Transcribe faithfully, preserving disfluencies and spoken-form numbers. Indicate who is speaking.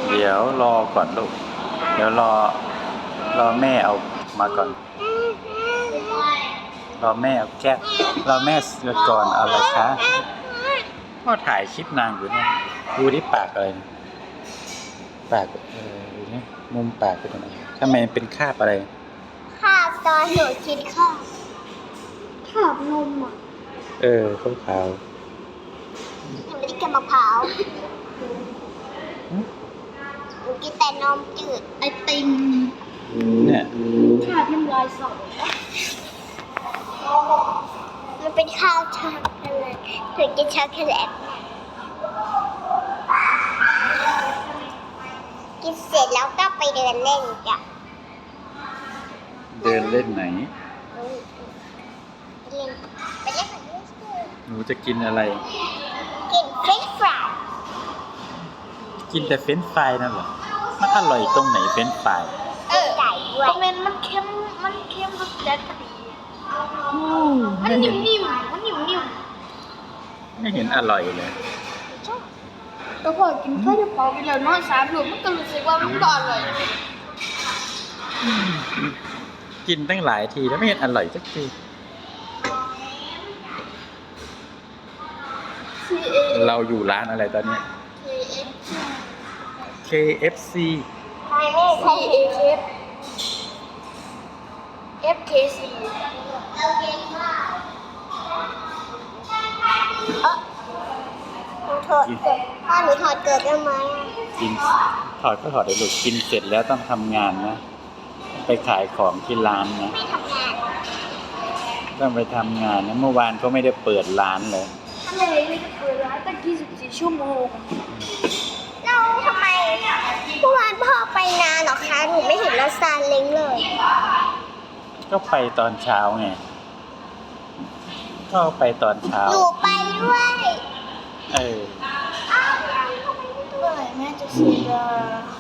Speaker 1: เดี๋ยวรอก่อนลูก เดี๋ยวรอรอแม่เอามาก่อน รอแม่เอาแก้วรอแม่ก่อนเอาอะไรคะพ่อถ่ายคลิปนางอยู่เนี่ยดูที่ปากอะไรนะปากเออดูนี่มุมปากเป็นอะไรทำไมเป็นคราบอะไร
Speaker 2: ข้าวตอนหนูกินข้าวข้าวนมอ่ะ
Speaker 1: เออขาวขาว
Speaker 2: หนูไม่ได้กินมะพร้าวหนูกินแต่นมจืดไอติม
Speaker 1: เนี่ย
Speaker 2: ข้าวน้ำลายสอมันเป็นข้าวช็อกโกแลตหนูกินช็อกโกแลตกินเสร็จแล้วก็ไปเดินเล่นจ้ะ
Speaker 1: เดินเล่นไหน
Speaker 2: ไปเล่นไปเล่นกับลูกเสือ
Speaker 1: หนูจะกินอะไร
Speaker 2: กินเฟรนช์ฟราย
Speaker 1: กินแต่เฟรนช์ฟรายนั่นเหรอมันอร่อยตรงไหนเฟรนช์ฟราย
Speaker 2: เออไก่ด้วย
Speaker 3: คอมเมนต์มันเค็ม มันเค็มรสจัดพอดี มัน
Speaker 1: ไม่
Speaker 3: นิ่
Speaker 1: เห็น
Speaker 3: มๆ มันนิ่ม
Speaker 1: ไม่เห็นอร่อยเลย
Speaker 3: ๆก็พอกินข้าวเปล่าไปแล้วนอนสามหลุมมันก็รู้สึกว่ามันก็อร่อย
Speaker 1: กินตั้งหลายทีแล้วไม่เห็นอร่อยสักที
Speaker 3: ซีเอ
Speaker 1: เราอยู่ร้านอะไรตอนนี้
Speaker 3: เค
Speaker 1: เค เอฟ ซี
Speaker 2: ใครไม่ใช่
Speaker 3: เอฟเอฟเคซี
Speaker 2: เราเก่งมากเออหนูถอดเกิดพ่อหนูถอดเกิดได้ไหม
Speaker 1: กินถอดก็ถอดได้ลูกกินเสร็จแล้วต้องทำงานนะ ไปขายของที่ร้านนะ
Speaker 2: ไม่ทำงาน
Speaker 1: ต้องไปทำงานนะเมื่อวานเขาไม่ได้เปิดร้านเลย
Speaker 3: ทะเลนี่จะเปิดร้านตั้งยี่สิบสี่ชั่วโมง
Speaker 2: เราทำไมเมื่อวานพ่อไปนานเหรอคะหนูไม่เห็นรถซาเล้งเลย
Speaker 1: ก็ไปตอนเช้าไงก็ไปตอนเช้า
Speaker 2: หนูไปด้วย
Speaker 1: เออ
Speaker 2: อ้าว
Speaker 3: เมื่อไหร่แม่จะเสีย